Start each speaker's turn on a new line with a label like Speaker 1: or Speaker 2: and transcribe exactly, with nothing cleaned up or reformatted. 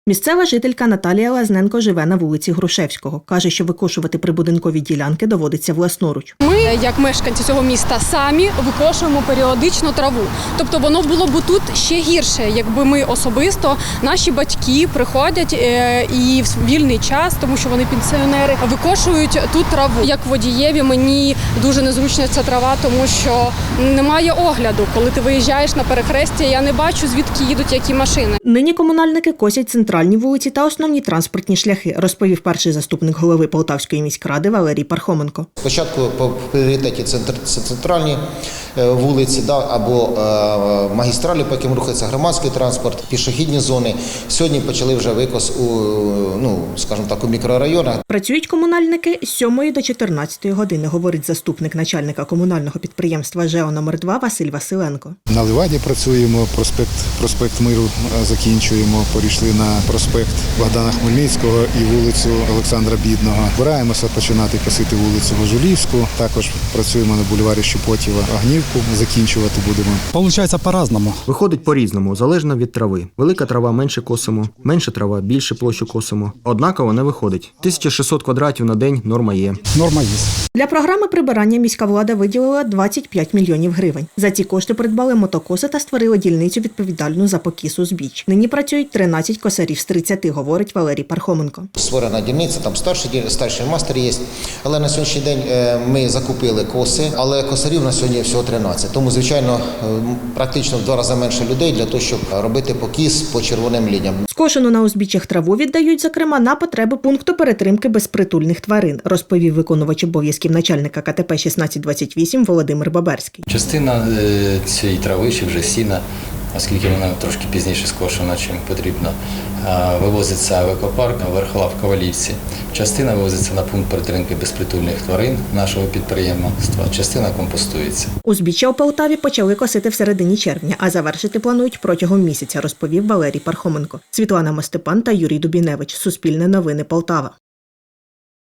Speaker 1: Місцева жителька Наталія Лазненко живе на вулиці Грушевського. Каже, що викошувати прибудинкові ділянки доводиться власноруч.
Speaker 2: Ми, як мешканці цього міста, самі викошуємо періодично траву. Тобто воно було б тут ще гірше, якби ми особисто, наші батьки приходять і в вільний час, тому що вони пенсіонери, викошують тут траву. Як водієві мені дуже незручна ця трава, тому що немає огляду. Коли ти виїжджаєш на перехрестя, я не бачу, звідки їдуть які машини.
Speaker 1: Нині комунальники косять центральні вулиці та основні транспортні шляхи, розповів перший заступник голови Полтавської міськради Валерій Пархоменко.
Speaker 3: Спочатку по пріоритеті це центральні вулиці да, або магістралі, по яким рухається громадський транспорт, пішохідні зони. Сьогодні почали вже викос у, ну, скажімо так, у мікрорайонах.
Speaker 1: Працюють комунальники з сьомої до чотирнадцятої години, говорить заступник начальника комунального підприємства ЖЕО номер два Василь Василенко.
Speaker 4: На Ливаді працюємо, проспект, проспект Миру закінчуємо, перейшли на проспект Богдана Хмельницького і вулицю Олександра Бідного. Збираємося починати косити вулицю Гожулівську, також працюємо на бульварі Щепотєва, Огнівку закінчувати будемо.
Speaker 5: Получається по-разному.
Speaker 6: Виходить по-різному, залежно від трави. Велика трава менше косимо, менша трава більше площу косимо. Однаково не виходить. тисяча шістсот квадратів на день норма є.
Speaker 5: Норма є.
Speaker 1: Для програми прибирання міська влада виділила двадцять п'ять мільйонів гривень. За ці кошти придбали мотокоси та створили дільницю відповідальну за покіс узбіч. Нині працюють тринадцять косарів з тридцяти, говорить Валерій Пархоменко.
Speaker 3: Створена дільниця, там старший, старший мастер є, але на сьогоднішній день ми закупили коси, але косарів на сьогодні всього тринадцять. Тому, звичайно, практично в два рази менше людей для того, щоб робити покіс по червоним лініям.
Speaker 1: Скошену на узбіччях траву віддають, зокрема, на потреби пункту перетримки безпритульних тварин, розповів виконувач обов'язків начальника ка те пе шістнадцять двадцять вісім Володимир Баберський.
Speaker 7: Частина цієї трави чи вже сіна, оскільки вона трошки пізніше скошена, чим потрібно, вивозиться в екопарк Верхола в Ковалівці. Частина вивозиться на пункт перетримки безпритульних тварин нашого підприємства, частина компостується.
Speaker 1: Узбіччя у Полтаві почали косити в середині червня, а завершити планують протягом місяця, розповів Валерій Пархоменко. Світлана Мостепан та Юрій Дубіневич. Суспільне новини Полтава.